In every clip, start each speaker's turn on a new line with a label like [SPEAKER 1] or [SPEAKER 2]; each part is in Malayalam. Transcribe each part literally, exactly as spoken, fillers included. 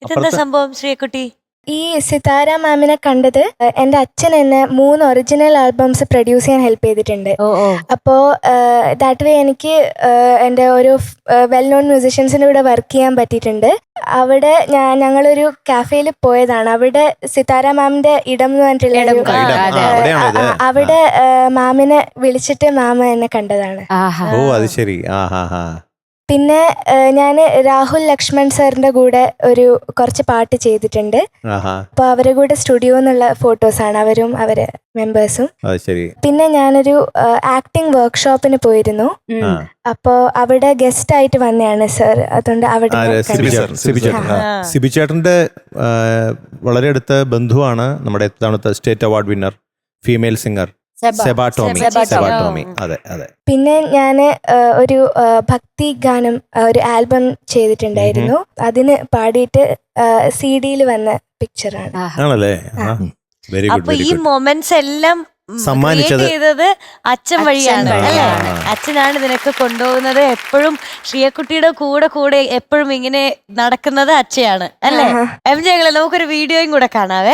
[SPEAKER 1] ഇതെന്താ സംഭവം ശ്രീകുട്ടി?
[SPEAKER 2] ഈ സിതാര മാമിനെ കണ്ടത് എൻ്റെ അച്ഛൻ എന്നെ മൂന്ന് ഒറിജിനൽ ആൽബംസ് പ്രൊഡ്യൂസ് ചെയ്യാൻ ഹെൽപ്പ് ചെയ്തിട്ടുണ്ട്. അപ്പോൾ ദാറ്റ് വേ എനിക്ക് എൻ്റെ ഒരു വെൽ നോൺ മ്യൂസിഷ്യൻസിൻ്റെ കൂടെ വർക്ക് ചെയ്യാൻ പറ്റിയിട്ടുണ്ട്. അവിടെ ഞാൻ ഞങ്ങളൊരു കാഫേയിൽ പോയതാണ്. അവിടെ സിതാര മാമിൻ്റെ ഇടം എന്ന് പറഞ്ഞിട്ടുള്ള അവിടെ മാമിനെ വിളിച്ചിട്ട് മാമ എന്നെ കണ്ടതാണ്.
[SPEAKER 3] ഓ അത് ശരി.
[SPEAKER 2] പിന്നെ ഞാൻ രാഹുൽ ലക്ഷ്മൺ സാറിന്റെ കൂടെ ഒരു കുറച്ച് പാട്ട് ചെയ്തിട്ടുണ്ട്. അപ്പൊ അവരുടെ കൂടെ സ്റ്റുഡിയോ എന്നുള്ള ഫോട്ടോസാണ് അവരും അവരെ മെമ്പേഴ്സും. പിന്നെ ഞാനൊരു ആക്ടിങ് വർക്ക്ഷോപ്പിന് പോയിരുന്നു. അപ്പോ അവിടെ ഗസ്റ്റ് ആയിട്ട് വന്നതാണ് സർ. അതുകൊണ്ട് അവിടെ
[SPEAKER 3] സിബി ചേട്ടന്റെ വളരെ അടുത്ത ബന്ധുവാണ് നമ്മുടെ ഇത്തവണത്തെ state award winner female singer Seba Tomy. Seba Tomy. അതെ അതെ.
[SPEAKER 2] പിന്നെ ഞാൻ ഒരു ഭക്തി ഗാനം ഒരു ആൽബം ചെയ്തിട്ടുണ്ടായിരുന്നു. അതിന് പാടിയിട്ട് സി ഡിയിൽ വന്ന പിക്ചറാണ്.
[SPEAKER 3] ആണല്ലേ? Very good.
[SPEAKER 1] അപ്പൊ ഈ മൊമെന്റ്സ് എല്ലാം
[SPEAKER 3] സമ്മാനിച്ചത്
[SPEAKER 1] ചെയ്തത് അച്ഛൻ വഴിയാണ് അല്ലേ? അച്ഛനാണ് ഇതിനൊക്കെ കൊണ്ടുപോകുന്നത്. എപ്പോഴും ശ്രീയക്കുട്ടിയുടെ കൂടെ കൂടെ എപ്പോഴും ഇങ്ങനെ നടക്കുന്നത് അച്ഛയാണ് അല്ലേ? എം ജെ നമുക്കൊരു വീഡിയോയും കൂടെ കാണാവേ.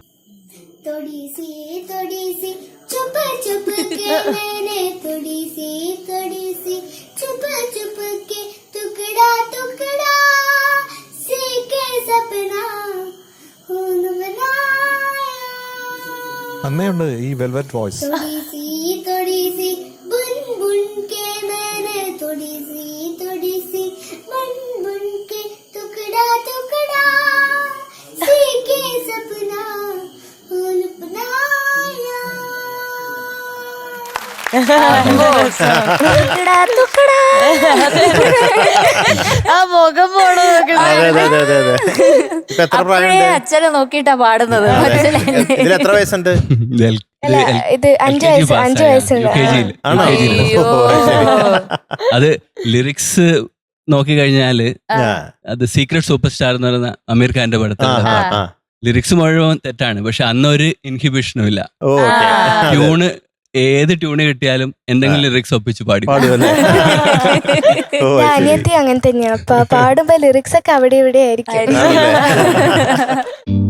[SPEAKER 4] चुप चुप के मैंने थोड़ी सी थोड़ी सी चुप चुप के टुकड़ा टुकड़ा सी के सपना खून बनाया.
[SPEAKER 5] അന്നേയുണ്ട് ഈ വെൽവെറ്റ് വോയിസ്.
[SPEAKER 4] थोड़ी सी थोड़ी सी बुन बुन के मैंने थोड़ी सी थोड़ी सी बुन बुन के टुकड़ा टुकड़ा सी के सपना खून बनाया.
[SPEAKER 1] ആ മുഖം പോണോ
[SPEAKER 6] അച്ഛനെ നോക്കിട്ടാ പാടുന്നത്.
[SPEAKER 3] എത്ര വയസ്സുണ്ട്?
[SPEAKER 2] ഇത് അഞ്ചു വയസ്സ് അഞ്ചു വയസ്സുണ്ട്.
[SPEAKER 7] അത് ലിറിക്സ് നോക്കി കഴിഞ്ഞാല് അത് സീക്രട്ട് സൂപ്പർ സ്റ്റാർ എന്ന് പറയുന്ന അമീർ ഖാന്റെ പടത്തിൽ ലിറിക്സ് മുഴുവൻ തെറ്റാണ്. പക്ഷെ അന്നൊരു ഇൻഹിബിഷനും ഇല്ല. ട്യൂണ് ഏത് ട്യൂണ് കിട്ടിയാലും എന്തെങ്കിലും ലിറിക്സ് ഒപ്പിച്ച് പാടി.
[SPEAKER 2] അനിയത്തി അങ്ങനെ തന്നെയാണ്. പാടുമ്പോ ലിറിക്സ് ഒക്കെ അവിടെ ഇവിടെ ആയിരിക്കും.